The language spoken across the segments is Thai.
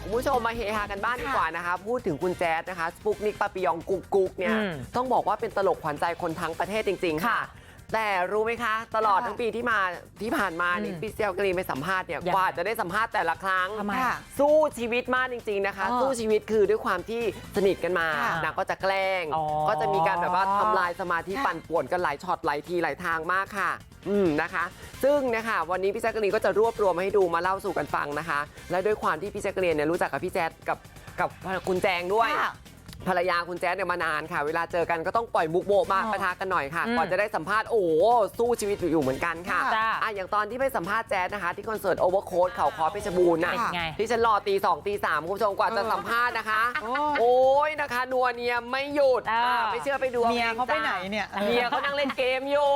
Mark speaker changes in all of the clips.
Speaker 1: คุณผู้ชมมาเฮฮากันบ้านดีกว่านะคะพูดถึงคุณแจ๊ดนะคะสปุกนิกปาปิยองกุ๊กเนี่ยต้องบอกว่าเป็นตลกขวัญใจคนทั้งประเทศจริงๆค่ะแต่รู้ไหมคะตลอดทั้งปีที่ผ่านมาเนี่ยพี่เซลกรีนไปสัมภาษณ์เนี่ยกว่าจะได้สัมภาษณ์แต่ละครั้งสู้ชีวิตมากจริงๆนะคะสู้ชีวิตคือด้วยความที่สนิทกันมานางก็จะแกล้งก็จะมีการแบบว่าทำลายสมาธิปั่นป่วนกันหลายช็อตหลายทีหลายทางมากค่ะนะคะซึ่งนะคะวันนี้พี่แจ๊กกะรีนก็จะรวบรวมให้ดูมาเล่าสู่กันฟังนะคะและด้วยความที่พี่แจ๊กกะรีนเนี่ยรู้จักกับพี่แจ๊ดกับคุณแจงด้วยภรรยาคุณแจ๊ดเนี่ยมานานค่ะเวลาเจอกันก็ต้องปล่อยมุกโบะมาปะทะกันหน่อยค่ะก่อนจะได้สัมภาษณ์โอ้สู้ชีวิตอยู่เหมือนกันค่ะอย่างตอนที่ไปสัมภาษณ์แจ๊ดนะคะที่คอนเสิร์ตโอเวอร์โค้ดเขาคอเพชรบูรณ์นะที่ฉันรอตี 2 ตี 3คุณผู้ชมกว่าจะสัมภาษณ์นะคะโอ้ยนะคะนัวเนียไม่หยุดไม่เชื่อไปดู
Speaker 2: เมียเขาไปไหนเนี่ย
Speaker 1: เมียเขานั่งเล่นเกมอยู่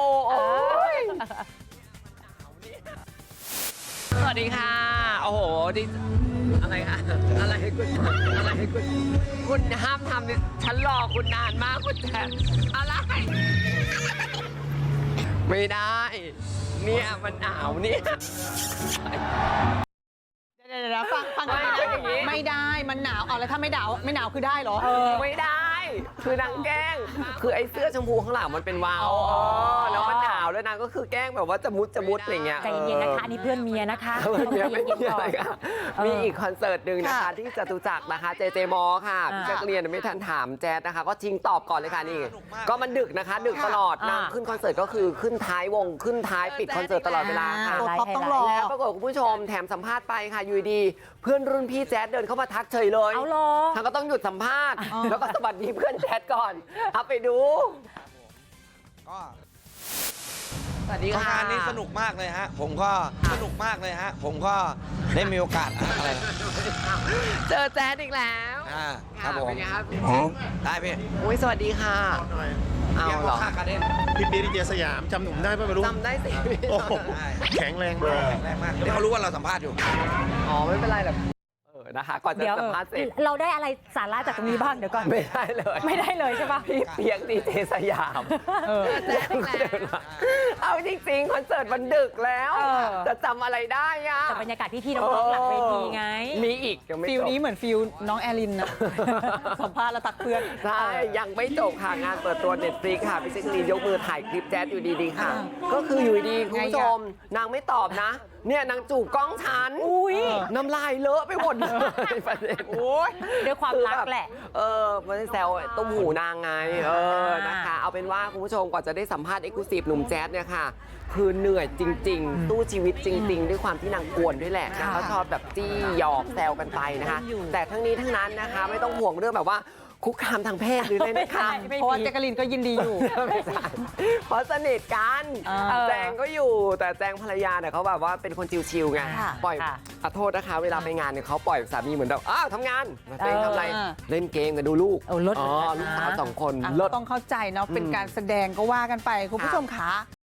Speaker 1: สวัสดีค่ะโอ้โหดิอะไรคะอะไรคุณห้ามทำฉันรอคุณนานมากคุณแต่อะไรไม่ได้เนี่ยมันหนาวเนี่ย
Speaker 2: เดี๋ยวฟังไม่ได้มันหนาวเอาแล้วถ้าไม่หนาวคือได้เหรอ
Speaker 1: ไม่ได้คือนางแกล้งคือไอ้เสื้อชมพูข้างหลังมันเป็นวาวแล้วมันหนาวแล้วนางก็คือแกล้งแบบว่าจะมุดอะไรเงี้ย
Speaker 3: ใจเย็นนะคะอันนี้เพื่อนเมียนะคะ
Speaker 1: เมียไม่เย็นก่อนมีอีกคอนเสิร์ตหนึ่งนะคะที่จตุจักรนะคะเจมอค่ะพี่แจ๊กเรียนไม่ทันถามแจ๊ดนะคะก็ชิงตอบก่อนเลยค่ะนี่ก็มันดึกนะคะดึกตลอดนางขึ้นคอนเสิร์ตก็คือขึ้นท้ายวงขึ้นท้ายปิดคอนเสิร์ตตลอดเวลาค่ะ
Speaker 2: ต้องรอ
Speaker 1: แล้วปรากฏคุณผู้ชมแถมสัมภาษณ์ไปค่ะอยู่ดีเพื่อนรุ่นพี่แจ๊ดเดินเข้ามาทักเฉยเลยทางก็ต้องหยุดสัมภาษณ์แล้วก็สวัสดีเพื่อนแจ๊ดก่อนเอาไปดูสวัสดีค่ะ
Speaker 4: งานนี้สนุกมากเลยฮะผมก็สนุกมากเลยฮะผมก็ได้มีโอกาสอะไร
Speaker 1: เจอแจ๊ดอีกแล้ว
Speaker 4: ครับผม
Speaker 1: เป็นไงครับ
Speaker 4: ได้พี่
Speaker 1: อุ้ยสวัสดีค่ะเอาเหรอ
Speaker 5: พี่ปีดีเจสยามจำหนุ่มได้ป่ะไม่รู้
Speaker 1: จำได้สิ
Speaker 5: แข็งแรง
Speaker 4: มากเดี๋ยวเขารู้ว่าเราสัมภาษณ์อยู่
Speaker 1: อ๋อไม่เป็นไรหรอกนะคะก่อนจะสัมภาษณ์เสร็จ
Speaker 3: เราได้อะไรสาระจากตรงนี้บ้างเดี๋ยวก่อน
Speaker 1: ไม่ได้เลย
Speaker 3: ใช่ปะ
Speaker 1: พี่เปียกดีเจสยามเอาจริงๆคอนเสิร์ตมันดึกแล้วจะจำอะไรได้อะ
Speaker 3: แต่บรรยากาศพี่ๆน้องๆหลังเวทีไง
Speaker 1: มีอีกยังไม่จบ
Speaker 2: ฟิลนี้เหมือนฟิลน้องแอลินนะสัมภาษณ์แล้วตักเพื่อน
Speaker 1: ใช่ยังไม่จบค่ะงานเปิดตัว Netflix ค่ะพี่แจ๊กกะรีนยกมือถ่ายคลิปแจ๊ดอยู่ดีๆค่ะก็คืออยู่ดีคุณผู้ชมนางไม่ตอบนะเนี่ยนางจูบกล้องฉันน้ำลายเลอะไปหมดเลยประเด็น
Speaker 3: ด้วยความรักแหละ
Speaker 1: มันแซวต้มหูนางไงนะคะเอาเป็นว่าคุณผู้ชมกว่าจะได้สัมภาษณ์เอ็กซ์คลูซีฟหนุ่มแจ๊ดเนี่ยค่ะคือเหนื่อยจริงๆตู้ชีวิตจริงๆด้วยความที่นางกวนด้วยแหละเขาชอบแบบจี้หยอกแซวกันไปนะคะแต่ทั้งนี้ทั้งนั้นนะคะไม่ต้องห่วงเรื่องแบบว่าคุกคามทางเพศหรืออะไรนะคะ
Speaker 2: เพราะว่าแจ๊กกะลีนก็ยินดีอยู่
Speaker 1: เพราะสนิทกันแจงก็อยู่แต่แจงภรรยาเนี่ยเขาแบบว่าเป็นคนชิวๆไงปล่อยขอโทษนะคะเวลาไปงานเนี่ยเขาปล่อยสามีเหมือนแบบทำงานตัวเองทำอะไรเล่นเกมกันดูลูกลูกสาว2 คน
Speaker 2: ต้องเข้าใจเนาะเป็นการแสดงก็ว่ากันไปคุณผู้ชมค่ะ